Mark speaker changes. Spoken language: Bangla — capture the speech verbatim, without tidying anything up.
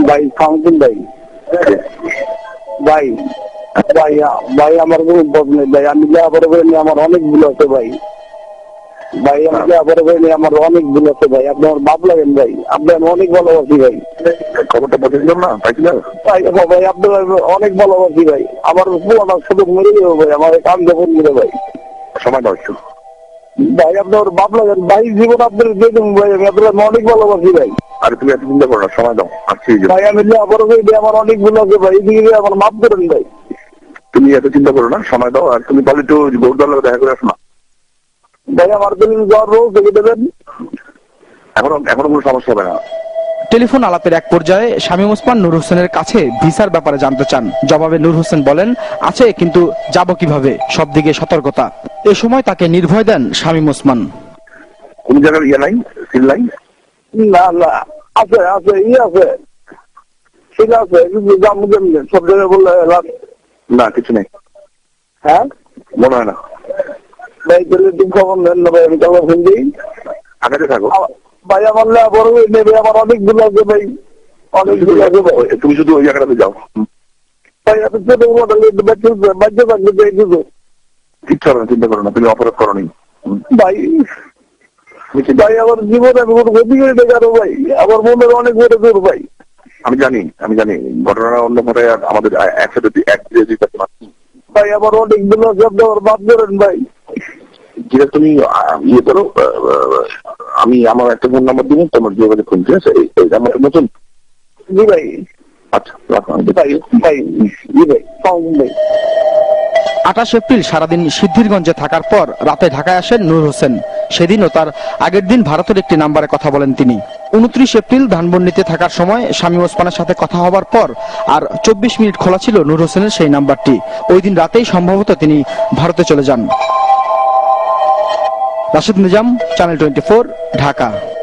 Speaker 1: ভাই ফাউন্টেন ভাই ভাই ভাই ভাই আমার কোনো বোধ নেই ভাই, আমি লেখাপড়া করে নিয়ে আমার অনেক ভুল আছে ভাই। ভাই আমি লেখাপড়া করে নিয়ে আমার অনেক ভুল আছে ভাই, আপনি আমার বাপ লাগেন ভাই, আপনি আমি অনেক ভালোবাসি ভাই।
Speaker 2: খবরটা পাঠিয়েছিলাম না, পাইছিলাম
Speaker 1: ভাই আপনি অনেক ভালোবাসি ভাই, আমার পুরোটা শুধু মরে যাবো ভাই, আমার কাম যখন মিলে ভাই।
Speaker 2: সময় দাও একটু
Speaker 1: ভাই আপনি আমার বাপ লাগেন ভাই, জীবন আপনার দিয়ে দেবো ভাই, আমি আপনার অনেক ভালোবাসি ভাই।
Speaker 2: আর তুমি এত চিন্তা করো না, সময় দাও আসছি।
Speaker 1: ভাই আমি লেখাপড়া করে নিয়ে আমার অনেক ভুল আছে ভাই, এদিকে আমার মাফ করেন ভাই।
Speaker 2: তুমি এত চিন্তা করো না, সময় দাও। আর তুমি তাহলে একটু গৌরদার দেখা করে আসো না।
Speaker 1: ভাই আমার তো জ্বর রোগ থেকে দেবেন,
Speaker 2: এখনো এখনো কোনো সমস্যা হবে না।
Speaker 3: টেলিফোন আলাপের এক পর্যায়ে শামীম ওসমান নূর হোসেনের কাছে ভিসার ব্যাপারে জানতে চান। জবাবে নূর হোসেন বলেন, আছে কিন্তু যাব কিভাবে, সব দিকে সতর্কতা। এ সময় তাকে নির্ভয় দেন শামীম ওসমান।
Speaker 2: কোন জায়গার ইয়ে নাই, সিল নাই?
Speaker 1: না না আছে আছে ই আছে, ঠিক আছে, কিন্তু যাবো কেমনি সব জায়গায় বললে লাভ?
Speaker 2: না কিছু নেই,
Speaker 1: হ্যাঁ
Speaker 2: মনে হয় না।
Speaker 1: ভাই তাহলে তুমি খবর নেন না ভাই, আমি খবর ফোন দিই।
Speaker 2: আগাতে থাকো
Speaker 1: ভাই আমার লেখাপড়া করে নেবে, আমার অনেক ভুল আছে ভাই, অনেক ভুল আছে ভাই।
Speaker 2: তুমি শুধু ওই জায়গাটাতে যাও।
Speaker 1: ভাই এত ছোট মোটা বাচ্চা থাকলে যাই শুধু
Speaker 2: কিচ্ছু হবে না, চিন্তা করো না, তুমি অপরাধ করো নি
Speaker 1: ভাই। ভাই আমার জীবনে আমি কোনো ক্ষতি করে দেখে আরো ভাই, আমার মনের অনেক বড় জোর ভাই।
Speaker 2: আমি জানি আমি জানি ঘটনাটা অন্য ঘটে, আমাদের একসাথে এক
Speaker 1: ভাই আমার অনেক ভুল আছে, আপনি আমার বাপ করেন ভাই।
Speaker 2: যেটা তুমি ইয়ে করো, আমি আমার একটা ফোন নাম্বার দিব, তোমার যোগাযোগ করুন, ঠিক আছে? এই নাম্বারটা নতুন?
Speaker 1: জি ভাই।
Speaker 2: আচ্ছা রাখো।
Speaker 1: ভাই ভাই জি ভাই ভাই।
Speaker 3: আঠাশ এপ্রিল সারাদিন সিদ্ধিরগঞ্জে থাকার পর রাতে ঢাকায় আসেন নূর হোসেন। সেদিনও তার আগের দিন ভারতের একটি নাম্বারে কথা বলেন তিনি। উনত্রিশ এপ্রিল ধানমন্ডিতে থাকার সময় শামীম ওসমানের সাথে কথা হবার পর আর চব্বিশ মিনিট খোলা ছিল নূর হোসেনের সেই নাম্বারটি। ওই দিন রাতেই সম্ভবত তিনি ভারতে চলে যান। Rashed Nizam, channel twenty four, Dhaka.